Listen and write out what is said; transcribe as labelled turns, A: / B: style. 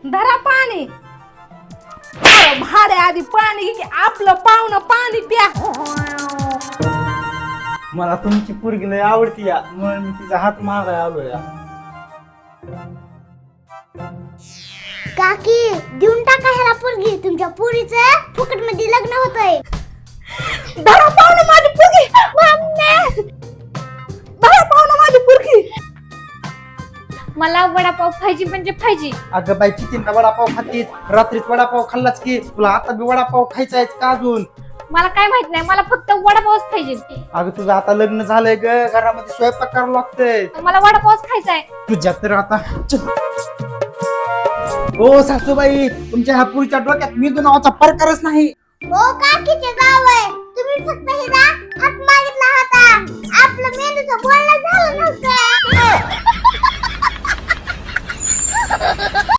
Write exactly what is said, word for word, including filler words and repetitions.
A: धरा पाणी. अरे भाड्या आधी पाणी घे की आपलं पाहुणं पाणी प्या.
B: मला तुमची पोरगी लय आवडती या म्हणून मी तिचा हात मागाय आलो या.
C: काकी देऊन टाका ह्याला पोरगी. तुमच्या पोरीचं फुकट मध्ये लग्न होतंय.
A: धरा पाहुणं माझी पोरगी. धरा पाहुणं माझी पोरगी.
D: मला वडापाव पाहिजे म्हणजे पाहिजे.
B: अगं बाई किती वडापाव खातीस, रात्रीच वडापाव खाल्लाच की, तुला आता बी वडापाव खायचा आहे का अजून?
D: मला काय माहित नाही, मला फक्त वडापावच पाहिजे.
B: अगं तुझं आता लग्न झालंय ग, घरामध्ये स्वयंपाक करावं लागतंय.
D: मला वडापावच खायचा आहे.
B: तुझ्या तर आता ओ सासूबाई, तुमच्या ह्या पुरीच्या डोक्यात मेंदू नावाचा प्रकारच नाही.
C: हो काकीचे गाव आहे. तुम्ही फक्त हिला हात मागितला होता. आपलं मेंदूचं बोलणं झालं नव्हतं.